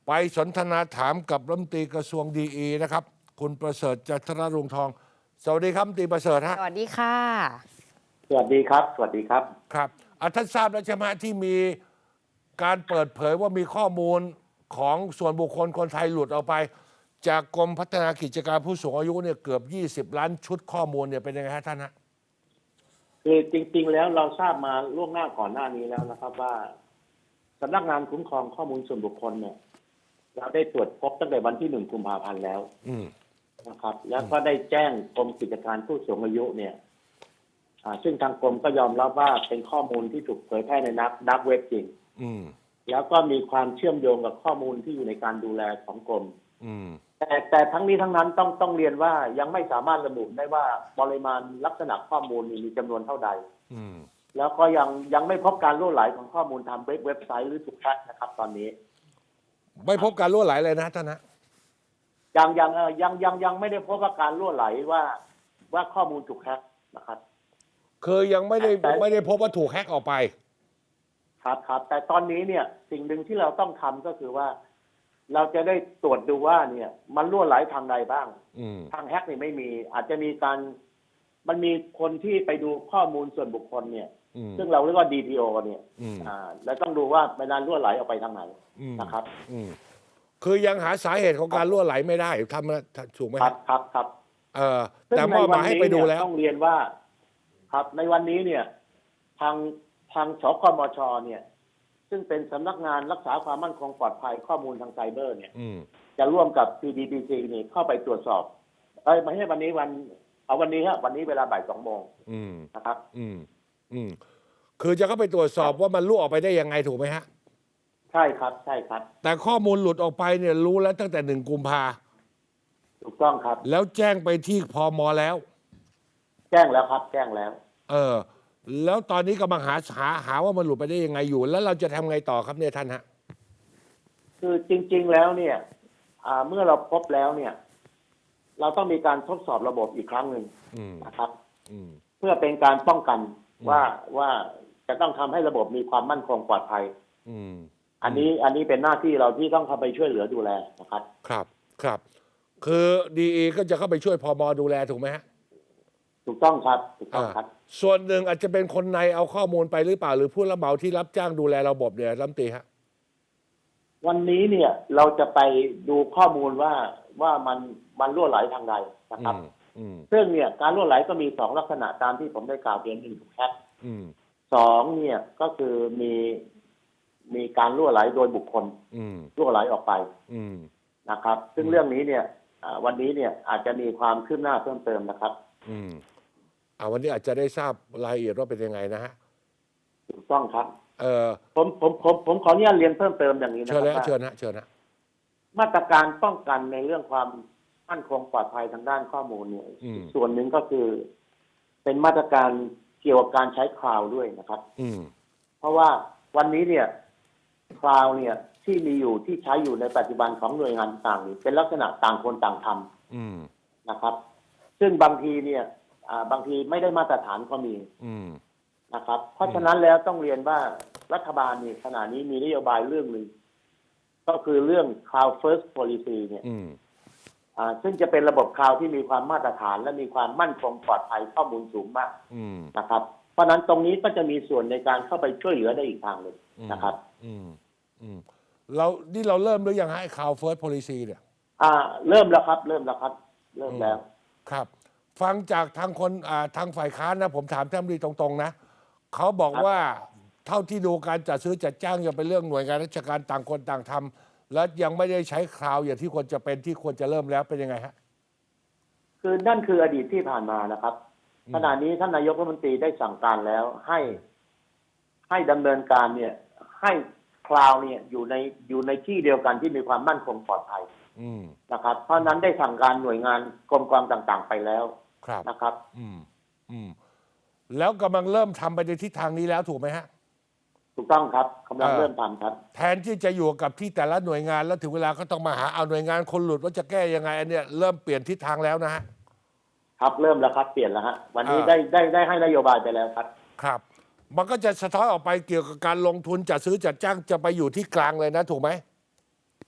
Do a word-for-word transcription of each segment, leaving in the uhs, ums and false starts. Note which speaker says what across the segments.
Speaker 1: ไปสนทนาถามกับรัฐมนตรีกระทรวงดีอีนะครับคุณประเสริฐจันทรรุงทองสวัสดีครับรัฐมนตรีประเสริฐฮะ
Speaker 2: สวัสดีค่ะ
Speaker 3: สวัสดีครับสวัสดีครับ
Speaker 1: ครับอ่ะท่านทราบแล้วใช่ไหมที่มีการเปิดเผยว่ามีข้อมูลของส่วนบุคคลคนไทยหลุดออกไป จากกรมพัฒนากิจการผู้สูงอายุเนี่ยเกือบยี่สิบล้านชุดข้อมูลเนี่ยเป็นยังไงฮะท่านฮะ
Speaker 3: คือจริงๆแล้วเราทราบมาล่วงหน้าก่อนหน้านี้แล้วนะครับว่าสำนักงานคุ้มครองข้อมูลส่วนบุคคลเนี่ยเราได้ตรวจพบตั้งแต่วันที่หนึ่งกุมภาพันธ์แล้วนะครับ แล้วก็ได้แจ้งกรมกิจการผู้สูงอายุเนี่ยซึ่งทางกรมก็ยอมรับว่าเป็นข้อมูลที่ถูกเผยแพร่ในนักดักเว็บจริงแล้วก็มีความเชื่อมโยงกับข้อมูลที่อยู่ในการดูแลของกรมแต่แต่ทั้งนี้ทั้งนั้นต้องต้องเรียนว่ายังไม่สามารถระบุได้ว่าปริมาณลักษณะข้อมูลมีจำนวนเท่าใดแล้วก็ยังยังไม่พบการรั่วไหลของข้อมูลทางเว็บเว็บไซต์หรือถูกแฮ็กนะครับตอนนี้
Speaker 1: ไม่พบการรั่วไหลเลยนะท่านนะ
Speaker 3: ยังยังเออยังยังยังไม่ได้พบว่าการรั่วไหลว่าว่าข้อมูลถูกแฮ็กนะครับ
Speaker 1: คือยังไม่ได้ไม่ได้พบว่าถูกแฮ็กออกไป
Speaker 3: ครับครับแต่ตอนนี้เนี่ยสิ่งหนึ่งที่เราต้องทำก็คือว่าเราจะได้ตรวจดูว่าเนี่ยมันรั่วไหลทางใดบ้างทางแฮ็กนี่ไม่มีอาจจะมีการมันมีคนที่ไปดูข้อมูลส่วนบุคคลเนี่ยซึ่งเราเรียกว่า ดี พี โอ เนี่ยอ่าแล้วต้องดูว่ามันรั่วไหลออกไปทางไหนนะครับ
Speaker 1: คือยังหาสาเหตุของการรั่วไหลไม่ได้ทำถูกไหม
Speaker 3: ครับครับครับ
Speaker 1: เออแต่มอบหมายให้ไปดูแล้ว
Speaker 3: ต้องเรียนว่าครับในวันนี้เนี่ยทางทางสกมชเนี่ยซึ่งเป็นสำนักงานรักษาความมั่นคงปลอดภัยข้อมูลทางไซเบอร์เนี่ยจะร่วมกับ ซี ดี พี ซี นี่เข้าไปตรวจสอบเอ้ยไม่ใช่วันนี้วันเอาวันนี้ฮะวันนี้เวลาบ่ายสองโมงนะครับ
Speaker 1: อืมอืมคือจะเข้าไปตรวจสอบว่ามันรั่วออกไปได้ยังไงถูกไหมฮะ
Speaker 3: ใช่ครับใช่ครับ
Speaker 1: แต่ข้อมูลหลุดออกไปเนี่ยรู้แล้วตั้งแต่หนึ่งกุมภา
Speaker 3: ถูกต้องครับ
Speaker 1: แล้วแจ้งไปที่พม.แล้ว
Speaker 3: แจ้งแล้วครับแจ้งแล้ว
Speaker 1: เออแล้วตอนนี้กำลังหาหาหาว่ามันหลุดไปได้ยังไงอยู่แล้วเราจะทำไงต่อครับเนี่ยท่านฮะ
Speaker 3: คือจริงๆแล้วเนี่ยเมื่อเราพบแล้วเนี่ยเราต้องมีการทดสอบระบบอีกครั้งหนึ่งนะครับเพื่อเป็นการป้องกันว่าว่าจะต้องทำให้ระบบมีความมั่นคงปลอดภัยอันนี้อันนี้เป็นหน้าที่เราที่ต้องเข้าไปช่วยเหลือดูแลนะครับ
Speaker 1: ครับครับคือดีเอก็จะเข้าไปช่วยพม.ดูแลถูกไหมฮะ
Speaker 3: ถูกต้องครับถูกต้องครับ
Speaker 1: ส่วนหนึ่งอาจจะเป็นคนในเอาข้อมูลไปหรือเปล่าหรือผู้รับเหมาที่รับจ้างดูแลระบบเนี่ยรัฐมนตรีฮะ
Speaker 3: วันนี้เนี่ยเราจะไปดูข้อมูลว่าว่ามันมันรั่วไหลทางใดนะครับซึ่งเนี่ยการรั่วไหลก็มีสองลักษณะตามที่ผมได้กล่าวเรียนหนึ่งถูกแฮ็กสองเนี่ยก็คือมีมีการรั่วไหลโดยบุคคลรั่วไหลออกไปนะครับซึ่งเรื่องนี้เนี่ยวันนี้เนี่ยอาจจะมีความคืบหน้าเพิ่มเติมนะครับ
Speaker 1: อืมอ่าวันนี้อาจจะได้ทราบรายละเอียดว่าเป็นยังไงนะฮะ
Speaker 3: ถูกต้องครับ
Speaker 1: เออ
Speaker 3: ผมผมผมผมขออนุญาตเรียนเพิ่มเติมอย่างนี้นะค
Speaker 1: รับเชิญ
Speaker 3: นะ
Speaker 1: เชิญนะเชิญนะ
Speaker 3: มาตรการป้องกันในเรื่องความมั่นคงปลอดภัยทางด้านข้อมูลเนี่ยส่วนหนึ่งก็คือเป็นมาตรการเกี่ยวกับการใช้คลาวด์ด้วยนะครับ
Speaker 1: อืม
Speaker 3: เพราะว่าวันนี้เนี่ยคลาวด์เนี่ยที่มีอยู่ที่ใช้อยู่ในปัจจุบันของหน่วยงานต่างๆเป็นลักษณะต่างคนต่างทำนะครับซึ่งบางทีเนี่ยบางทีไม่ได้มาตรฐานก็มีนะครับเพราะฉะนั้นแล้วต้องเรียนว่ารัฐบาลนี่ขณะนี้มีนโยบายเรื่องหนึ่งก็คือเรื่อง Cloud First Policy เนี่ยซึ่งจะเป็นระบบคลาวด์ที่มีความมาตรฐานและมีความมั่นคงปลอดภัยข้อมูลสูงมากนะครับเพราะนั้นตรงนี้ก็จะมีส่วนในการเข้าไปช่วยเหลือได้อีกทางหนึ่งนะครับ
Speaker 1: เรานี่เราเริ่มหรือยังให้ Cloud First Policy เนี่ย
Speaker 3: อ่าเริ่มแล้วครับเริ่มแล้วครับเริ่มแล้ว
Speaker 1: ครับฟังจากทางคนทางฝ่ายค้านนะผมถามท่านรัฐมนตรีตรงๆนะเขาบอกว่าเท่าที่ดูการจัดซื้อจัดจ้างยังเป็นเรื่องหน่วยงานราชการต่างคนต่างทำและยังไม่ได้ใช้คลาวด์อย่างที่ควรจะเป็นที่ควรจะเริ่มแล้วเป็นยังไงฮะ
Speaker 3: คือนั่นคืออดีตที่ผ่านมานะครับขณะนี้ท่านนายกรัฐมนตรีได้สั่งการแล้วให้ให้ดำเนินการเนี่ยให้คลาวด์เนี่ยอยู่ในอยู่ในที่เดียวกันที่มีความมั่นคงปลอดภัยนะครับเพราะนั้นได้สั่งการหน่วยงานกรมกองต่างๆไปแล้วนะครับ
Speaker 1: อืมอืมแล้วกำลังเริ่มทำไปในทิศทางนี้แล้วถูกไหมฮะ
Speaker 3: ถูกต้องครับกำลังเริ่มทำครับ
Speaker 1: แทนที่จะอยู่กับที่แต่ละหน่วยงานแล้วถึงเวลาก็ต้องมาหาเอาหน่วยงานคนหลุดว่าจะแก้ยังไงอันเนี้ยเริ่มเปลี่ยนทิศทางแล้วนะฮะ
Speaker 3: ครับเริ่มแล้วครับเปลี่ยนแล้วฮะวันนี้ได้ได้ได้ให้นโยบายไปแล้วครับ
Speaker 1: ครับมันก็จะสะท้อนออกไปเกี่ยวกับการลงทุนจัดซื้อจัดจ้างจะไปอยู่ที่กลางเลยนะถูกไหม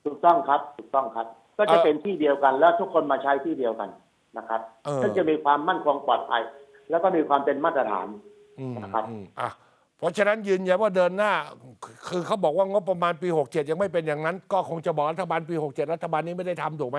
Speaker 3: ถูกต้องครับถูกต้องครับ ก็จะเป็นที่เดียวกันแล้วทุกคนมาใช้ที่เดียวกันนะครับ
Speaker 1: เออ
Speaker 3: ซึ่งจะมีความมั่นคงปลอดภัย แล้วก็มีความเป็นมาตรฐาน
Speaker 1: อืม
Speaker 3: นะครับ
Speaker 1: อืมอ่ะเพราะฉะนั้นยืนยันว่าเดินหน้า คือเขาบอกว่างบประมาณปีหกเจ็ดยังไม่เป็นอย่างนั้น ก็คงจะบอกรัฐบาลปีหกเจ็ดรัฐบาลนี้ไม่ได้ทำถูกไหม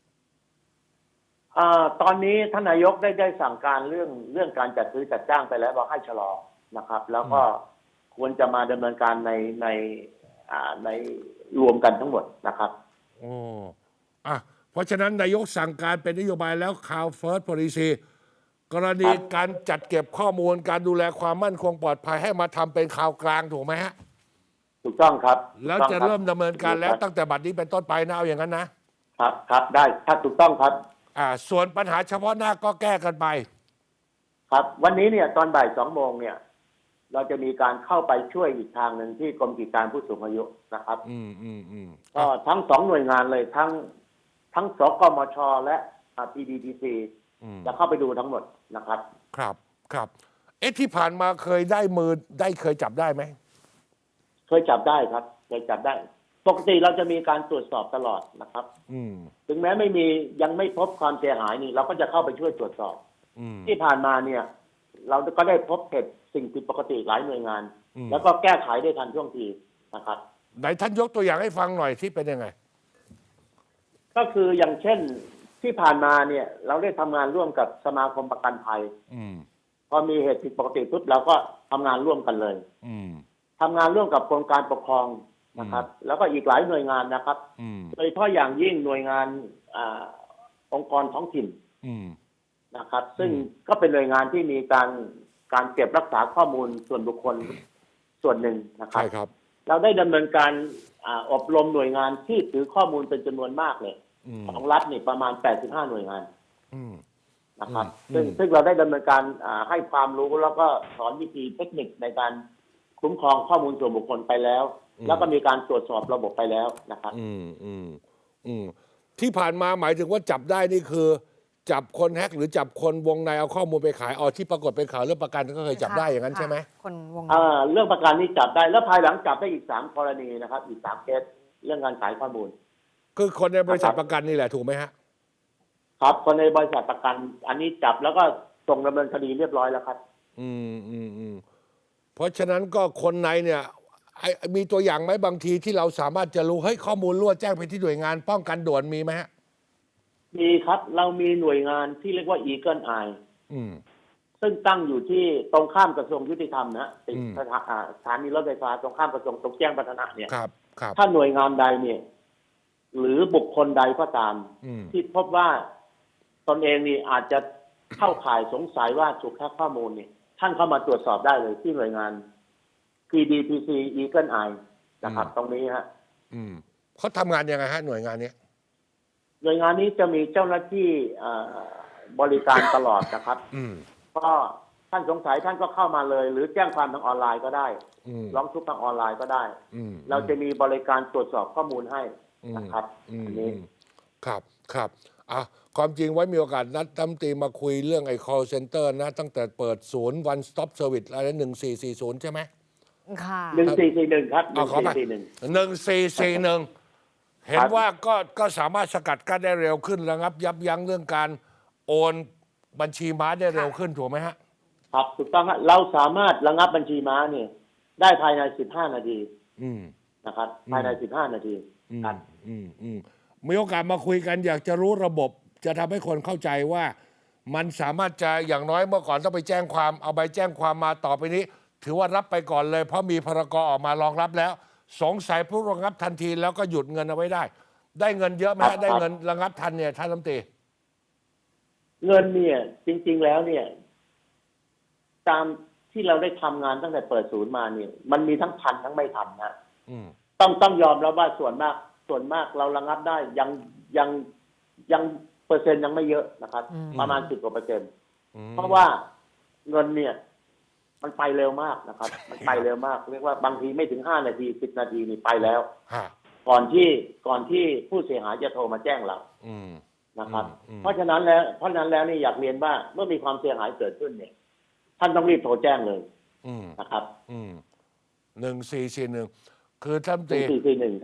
Speaker 3: อ่าตอนนี้ท่านนายกได้ได้สั่งการเรื่องเรื่องการจัดซื้อจัดจ้างไปแล้วบอกให้ชะลอนะครับ แล้วก็ควรจะมาดำเนินการในในอ่าในรวมกันทั้งหมดนะครับ
Speaker 1: โอ้อ่ะเพราะฉะนั้นนายกสั่งการเป็นนโยบายแล้ว Cloud First Policy กรณีการจัดเก็บข้อมูลการดูแลความมั่นคงปลอดภัยให้มาทำเป็นข่าวกลางถูกไหมฮะ
Speaker 3: ถูกต้องครับ
Speaker 1: แล้วจะเริ่มดำเนินการแล้วตั้งแต่บัดนี้เป็นต้นไปนะเอาอย่างนั้นนะครับ
Speaker 3: ครับได้ถ้าถูกต้องครับ
Speaker 1: อ่าส่วนปัญหาเฉพาะหน้าก็แก้กันไป
Speaker 3: ครับ วันนี้เนี่ยตอนบ่ายสองโมงเนี่ย เราจะมีการเข้าไปช่วยอีกทางหนึ่งที่กรมกิจการผู้สูงอายุนะครับ
Speaker 1: อืมอืมอืม
Speaker 3: ก็ทั้งสองหน่วยงานเลยทั้งทั้งสกมชและพี ดี ที ซี
Speaker 1: อืม
Speaker 3: จะเข้าไปดูทั้งหมดนะครับ
Speaker 1: ครับครับ เอ๊ะที่ผ่านมาเคยได้มือได้เคยจับได้ไหม
Speaker 3: เคยจับได้ครับเคยจับได้ ปกติเราจะมีการตรวจสอบตลอดนะครับ
Speaker 1: อืม
Speaker 3: ถึงแม้ไม่มียังไม่พบความเสียหายนี่เราก็จะเข้าไปช่วยตรวจสอบ
Speaker 1: อืม
Speaker 3: ที่ผ่านมาเนี่ย เราก็ได้พบเหตุสิ่งผิดปกติหลายหน่วยงาน
Speaker 1: อืม
Speaker 3: แล้วก็แก้ไขได้ทันท่วงทีนะครับ
Speaker 1: ไหนท่านยกตัวอย่างให้ฟังหน่อยที่เป็นยังไง
Speaker 3: ก็คืออย่างเช่นที่ผ่านมาเนี่ย เราได้ทำงานร่วมกับสมาคมประกันภัย
Speaker 1: อืม
Speaker 3: พอมีเหตุผิดปกติปุ๊บเราก็ทำงานร่วมกันเลย
Speaker 1: อืม
Speaker 3: ทำงานร่วมกับกรมการปกครองนะครับ แล้วก็อีกหลายหน่วยงานนะครับ
Speaker 1: อืม
Speaker 3: โดยเฉพาะอย่างยิ่งหน่วยงานอาองค์กรท้องถิ่น
Speaker 1: อืม
Speaker 3: นะครับ ซึ่ง
Speaker 1: อืม
Speaker 3: ก็เป็นหน่วยงานที่มีการการเก็บรักษาข้อมูลส่วนบุคคลส่วนหนึ่งนะครั
Speaker 1: ใช่
Speaker 3: บ
Speaker 1: ครับ
Speaker 3: เราได้ดำเนินการอาอบรมหน่วยงานที่ถือข้อมูลเป็นจำนวนมากเลย
Speaker 1: อืม
Speaker 3: ของรัฐนี่ประมาณแปดสิบห้าหน่วยงาน
Speaker 1: อืม
Speaker 3: นะครับ
Speaker 1: อืม
Speaker 3: ซึ่ง
Speaker 1: อืม
Speaker 3: ซึ่งเราได้ดำเนินการอ่าให้ความรู้แล้วก็สอนวิธีเทคนิคในการคุ้มครองข้อมูลส่วนบุคคลไปแล้ว แล้วก็มีการตรวจสอบระบบไปแล้วนะครับ
Speaker 1: อืมอืมอืมที่ผ่านมาหมายถึงว่าจับได้นี่คือ จับคนแฮกหรือจับคนวงในเอาข้อมูลไปขายเอาที่ปรากฏเป็นข่าวเรื่องประกันก็เคยจับได้อย่างนั้นใช่ไหม
Speaker 2: คนวง
Speaker 3: อ่าเรื่องประกันนี้จับได้แล้วภายหลังจับได้อีกสามกรณีนะครับ อีกสามเคสเรื่องการขายข้อมูล
Speaker 1: คือคนในบริษัท
Speaker 3: ครับ
Speaker 1: ประกันนี่แหละถูกไหมฮะ
Speaker 3: ครับคนในบริษัทประกัน อันนี้จับแล้วก็ส่งดำเนินคดีเรียบร้อยแล้วครับ
Speaker 1: อืมอืมอืมเพราะฉะนั้นก็คนในเนี่ยไอ้มีตัวอย่างไหมบางทีที่เราสามารถจะรู้เฮ้ยข้อมูลรั่วแจ้งไปที่หน่วยงานป้องกันด่วนมีไหมฮะ
Speaker 3: มีครับเรามีหน่วยงานที่เรียกว่า Eagle Eye
Speaker 1: อืม
Speaker 3: ซึ่งตั้งอยู่ที่ตรงข้ามกระทรวงยุติธรรมนะติด
Speaker 1: อืม
Speaker 3: สถาอ่าสถานีรถไฟฟ้าตรงข้ามกระทรวงตรงแจ้งวัฒนะเนี่ย
Speaker 1: ครับครับ
Speaker 3: ถ้าหน่วยงานใดเนี่ย หรือบุคคลใดก็ตาม
Speaker 1: อืม
Speaker 3: ที่พบว่าตนเองนี่อาจจะเข้าข่ายสงสัยว่าถูกแฮ็กข้อมูลเนี่ยท่านเข้ามาตรวจสอบได้เลยที่หน่วยงาน พี ดี ที ซี Eagle Eye นะครับ ตรงนี้ฮะ
Speaker 1: อืมเขาทำงานยังไงฮะหน่วยงานเนี้ย
Speaker 3: หน่วยงานนี้จะมีเจ้าหน้าที่อ่าบริการตลอดนะครับ
Speaker 1: อืม
Speaker 3: ก็ท่านสงสัยท่านก็เข้ามาเลย หรือแจ้งความทางออนไลน์ก็ได้
Speaker 1: อืม
Speaker 3: ร้องทุกข์ทางออนไลน์ก็ได้
Speaker 1: อืม
Speaker 3: เราจะมีบริการตรวจสอบข้อมูลให้
Speaker 1: อืม
Speaker 3: นะครับ
Speaker 1: อืม
Speaker 3: อัน
Speaker 1: อื
Speaker 3: นี้
Speaker 1: มครับครับอ่ะความจริงไว้มีโอกาสนัดตั้มตรีมาคุยเรื่องไอ้ call center นะ ตั้งแต่เปิดศูนย์ one stop service อะไรหนึ่งสี่สี่ศูนย์ใช่ไหม
Speaker 2: ค่ะ
Speaker 3: หนึ่งสี่สี่หนึ่งครับห
Speaker 1: อ่ะ
Speaker 3: นึ่ง
Speaker 1: ขอ
Speaker 3: สี่
Speaker 1: ไป
Speaker 3: สี่หนึ่ง
Speaker 1: หนึ่งสี่สี่หนึ่งเห็น
Speaker 3: ครับ
Speaker 1: ว่าก็ก็สามารถสกัดกั้นได้เร็วขึ้นระงับ ยับยั้งเรื่องการโอนบัญชีม้าได้เร็วขึ้นถูกไหมฮะ
Speaker 3: ครับถูกต้องครับเราสามารถระงับบัญชีม้าเนี่ยได้ภายในสิบห้านาที
Speaker 1: อืม
Speaker 3: นะครับ ภายในสิบห้านาที
Speaker 1: อืม
Speaker 3: ครับ
Speaker 1: อืมอืมมีโอกาสมาคุยกันอยากจะรู้ระบบ จะทำให้คนเข้าใจว่า มันสามารถจะอย่างน้อยเมื่อก่อนต้องไปแจ้งความเอาใบแจ้งความมาต่อไปนี้ ถือว่ารับไปก่อนเลย เพราะมีพรกออกมารองรับแล้ว สงสัยผู้ระงับทันทีแล้วก็หยุดเงินเอาไว้ได้ ได้เงินเยอะไหม
Speaker 3: ครั
Speaker 1: ฮะ
Speaker 3: บ
Speaker 1: ได้เงินระงับทันเนี่ยท่านรัฐมนตรี
Speaker 3: เงินเนี่ย จริง ๆแล้วเนี่ย ตามที่เราได้ทำงานตั้งแต่เปิดศูนย์มาเนี่ย มันมีทั้งทันทั้งไม่ทันนะ
Speaker 1: อืม
Speaker 3: ต้องต้องยอมรับว่าส่วนมาก ส่วนมากเราระงับได้ยังยังยังเปอร์เซ็นต์ยังไม่เยอะนะครับ
Speaker 2: อืม
Speaker 3: ประมาณสิบกว่าเปอร์เซ็นต์
Speaker 1: อืม
Speaker 3: เพราะว่าเงินเนี่ย มันไปเร็วมากนะครับ มันไปเร็วมากเรียกว่าบางทีไม่ถึงห้านาทีสิบนาทีนี่ไปแล้ว
Speaker 1: ฮะ
Speaker 3: ก่อนที่ก่อนที่ผู้เสียหายจะโทรมาแจ้งเรา
Speaker 1: อืม
Speaker 3: นะครับ
Speaker 1: อืม
Speaker 3: เพราะฉะนั้นแล้วเพราะฉะนั้นแล้วนี่อยากเรียนว่าเมื่อมีความเสียหายเกิดขึ้นเนี่ย ท่านต้องรีบโทรแจ้งเลย
Speaker 1: อืม
Speaker 3: นะครับ
Speaker 1: อืมหนึ่งสี่สี่หนึ่งคือท่าน
Speaker 3: ห
Speaker 1: ตี
Speaker 3: นึ่งสี่สี่หนึ่งครับ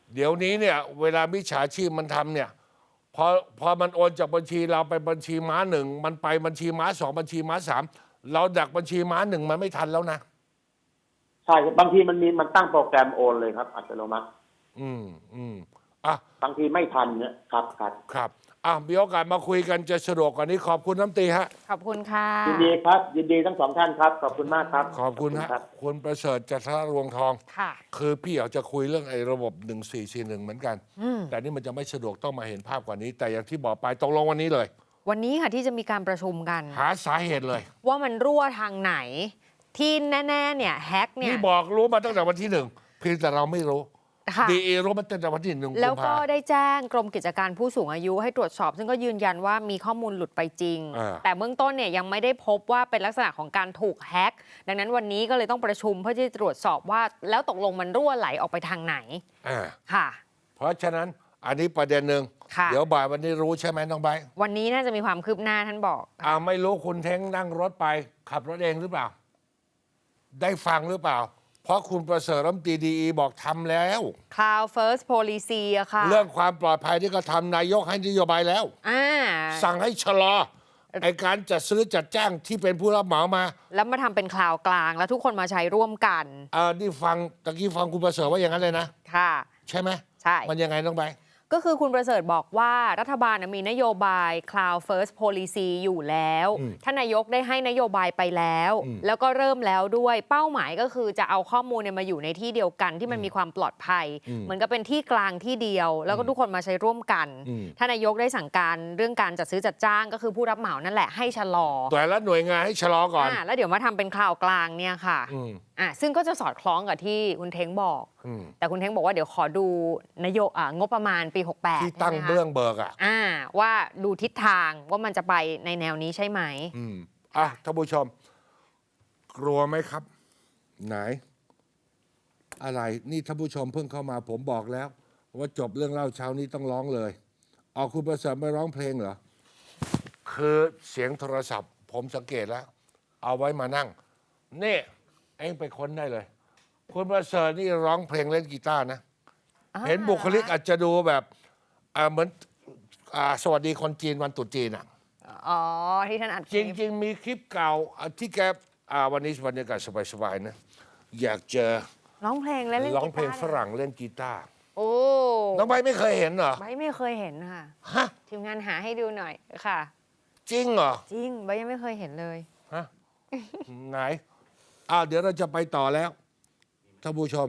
Speaker 1: เดี๋ยวนี้เนี่ยเวลามิจฉาชีพมันทำเนี่ยพอพอมันโอนจากบัญชีเราไปบัญชีม้าหนึ่งมันไปบัญชีม้าสองบัญชีม้าสามเราดักบัญชีม้าหนึ่งมันไม่ทันแล้วนะ
Speaker 3: ใช่ครับบางทีมันมีมันตั้งโปรแกรมโอนเลยครับอัตโนมัติ
Speaker 1: อืมอืมอ่ะ
Speaker 3: บางทีไม่ทันเนี่ยครับครับ
Speaker 1: ครับอ่ะมีโอกาสมาคุยกันจะสะดวกกว่านี้ขอบคุณน้ำตีฮะ
Speaker 2: ขอบคุณค่ะ
Speaker 3: ยินดีครับยินดีทั้งสองท่านครับขอบคุณมากครับ
Speaker 1: ขอบคุณฮะคุณประเสริฐจันทรวงทอง
Speaker 2: ค่ะ
Speaker 1: คือพี่อยากจะคุยเรื่องไอ้ระบบหนึ่งสี่สี่หนึ่งเหมือนกันแต่นี่มันจะไม่สะดวกต้องมาเห็นภาพกว่านี้ แต่อย่างที่บอกไปตกลงวันนี้เลย
Speaker 2: วันนี้ค่ะที่จะมีการประชุมกัน
Speaker 1: หาสาเหตุเลย
Speaker 2: ว่ามันรั่วทางไหนที่แน่ๆเนี่ยแฮกเนี่ย
Speaker 1: นี่บอกรู้มาตั้งแต่วันที่หนึ่งเพียงแต่เราไม่รู้ดีเอรู้มาตั้งแต่วันที่หนึ่ง
Speaker 2: แล้วก็ได้แจ้งกรมกิจการผู้สูงอายุให้ตรวจสอบซึ่งก็ยืนยันว่ามีข้อมูลหลุดไปจริงแต่เบื้องต้นเนี่ยยังไม่ได้พบว่าเป็นลักษณะของการถูกแฮกดังนั้นวันนี้ก็เลยต้องประชุมเพื่อที่จะตรวจสอบว่าแล้วตกลงมันรั่วไหลออกไปทางไหนค่ะ
Speaker 1: เพราะฉะนั้นอันนี้ประเด็นหนึ่งเดี๋ยวบ่ายวันนี้รู้ใช่ไหมน้องใบ
Speaker 2: วันนี้น่าจะมีความคืบหน้าท่านบอก
Speaker 1: อ่าไม่รู้คุณเท้งนั่งรถไปขับรถเองหรือเปล่าได้ฟังหรือเปล่าเพราะคุณประเสริฐรัฐมนตรีดีบอกทำแล้ว
Speaker 2: Cloud First Policy อะค่ะ
Speaker 1: เรื่องความปลอดภัยที่ก็ทำนายกให้นโยบายแล้วสั่งให้ชะลอไอการจัดซื้อจัดจ้างที่เป็นผู้รับเหมามา
Speaker 2: แล้วมาทำเป็นคลาวกลางแล้วทุกคนมาใช้ร่วมกัน
Speaker 1: อ่านี่ฟังตะกี้ฟังคุณประเสริฐว่าอย่างนั้นเลยนะ
Speaker 2: ค่ะ
Speaker 1: ใช่ไหม
Speaker 2: ใช่
Speaker 1: มันยังไงน้องใบ
Speaker 2: ก็คือคุณประเสริฐบอกว่ารัฐบาลมีนโยบาย Cloud First Policy อยู่แล้วท่านนายกได้ให้นโยบายไปแล้วแล้วก็เริ่มแล้วด้วยเป้าหมายก็คือจะเอาข้อมูลมาอยู่ในที่เดียวกันที่มันมีความปลอดภัยเหมือนกับเป็นที่กลางที่เดียวแล้วก็ทุกคนมาใช้ร่วมกันท่านนายกได้สั่งการเรื่องการจัดซื้อจัดจ้างก็คือผู้รับเหมานั่นแหละให้ชะลอ
Speaker 1: แต่ละหน่วยงานให้ชะลอก่อน
Speaker 2: แล้วเดี๋ยวมาทำเป็นคลาวกลางเนี่ยค่ะอ่ะซึ่งก็จะสอดคล้องกับที่คุณเท้งบอกแต่คุณเท้งบอกว่าเดี๋ยวขอดูนโยบายงบประมาณปีหกสิบแปด
Speaker 1: ที่ตั้งเบื้องเบิกอ่ะ
Speaker 2: อ่าว่าดูทิศทางว่ามันจะไปในแนวนี้ใช่ไหม
Speaker 1: อืมอ่ะท่านผู้ชมกลัวไหมครับไหนอะไรนี่ท่านผู้ชมเพิ่งเข้ามาผมบอกแล้วว่าจบเรื่องเล่าเช้านี้ต้องร้องเลยออกคุณประเสริฐไม่ร้องเพลงเหรอคือเสียงโทรศัพท์ผมสังเกตแล้วเอาไว้มานั่งนี่เองไปค้นได้เลยคุณประเสริฐนี่ร้องเพลงเล่นกีตาร์นะเห็นบุคลิกอาจจะดูแบบเหมือนสวัสดีคนจีนวันตรุษจีนอ่ะ
Speaker 2: อ๋อที่ท่านอัด
Speaker 1: จริงๆมีคลิปเก่าที่แกวันนี้บรรยากาศสบายๆนะอยากจะ
Speaker 2: ร้องเพลงและเล่นกีตาร์
Speaker 1: ร้องเพลงฝรั่งเล่นกีตาร์
Speaker 2: โอ้
Speaker 1: น้องใบไม่เคยเห็นเหรอ
Speaker 2: ใบไม่เคยเห็นค่ะ
Speaker 1: ฮะ
Speaker 2: ทีมงานหาให้ดูหน่อยค่ะ
Speaker 1: จริงเหรอ
Speaker 2: จริงใบยังไม่เคยเห็นเลย
Speaker 1: ฮะไหนอ้าวเดี๋ยวเราจะไปต่อแล้วท่านผู้ชม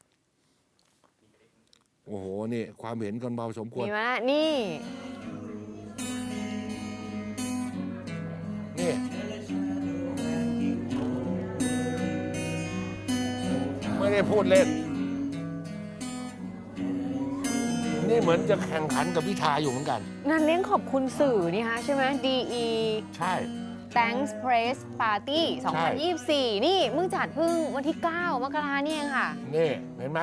Speaker 1: โอ้โหนี่ความเห็นกันเบาสมควร
Speaker 2: มีไหมนี่
Speaker 1: นี่ไม่ได้พูดเล่นนี่เหมือนจะแข่งขันกับพิธาอยู่เหมือนกัน
Speaker 2: นั่นเลี้ยงขอบคุณสื่อนี่ฮะใช่ไหม ดี อี
Speaker 1: ใช่
Speaker 2: Thanks Press Party สองพันยี่สิบสี่นี่มึงจัดพึ่งวันที่เก้ามกราเนี่ยเองค่ะ
Speaker 1: นี่เห็นไหม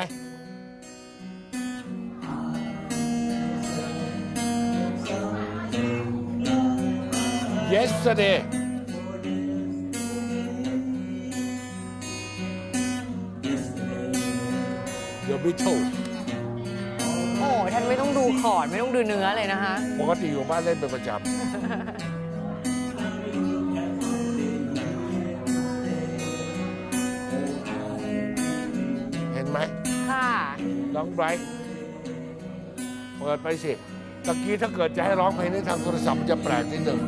Speaker 1: Yesterday The Beatles
Speaker 2: โอ้ท่านไม่ต้องดูคอร์ดไม่ต้องดูเนื้อเลยนะคะ
Speaker 1: ปกติอยู่บ้านเล่นเป็นประจำเห็นไหม
Speaker 2: ค่ะ
Speaker 1: น้องไบรท์เปิดไปสิตะกี้ถ้าเกิดจะให้ร้องเพลงนี้ทางโทรศัพท์มันจะแปลกนิดหนึ่ง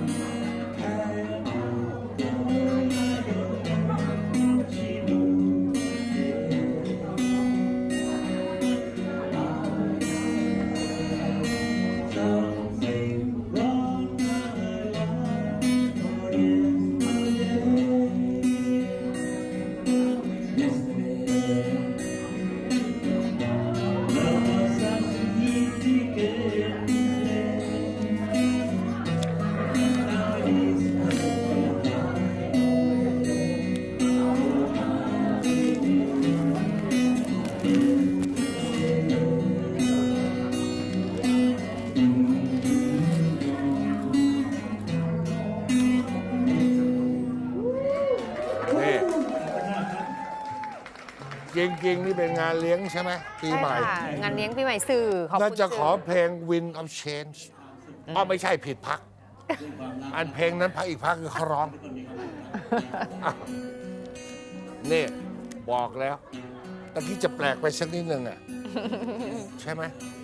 Speaker 1: ริง ๆ นี่เป็นงานเลี้ยงใช่ไหมปีใหม่
Speaker 2: ใช่ค่ะงานเลี้ยงปีใหม่สื่อขอบ
Speaker 1: น่า
Speaker 2: คุณ
Speaker 1: จะขอ
Speaker 2: สื่อ
Speaker 1: เพลง Wind of Change อ๋อไม่ใช่ผิดพัก อันเพลงนั้นพักอีกพักคือเขาร้องอ้าวนี่บอกแล้วตะกี้จะแปลกไปสักนิดนึงอ่ะ ใช่ไหม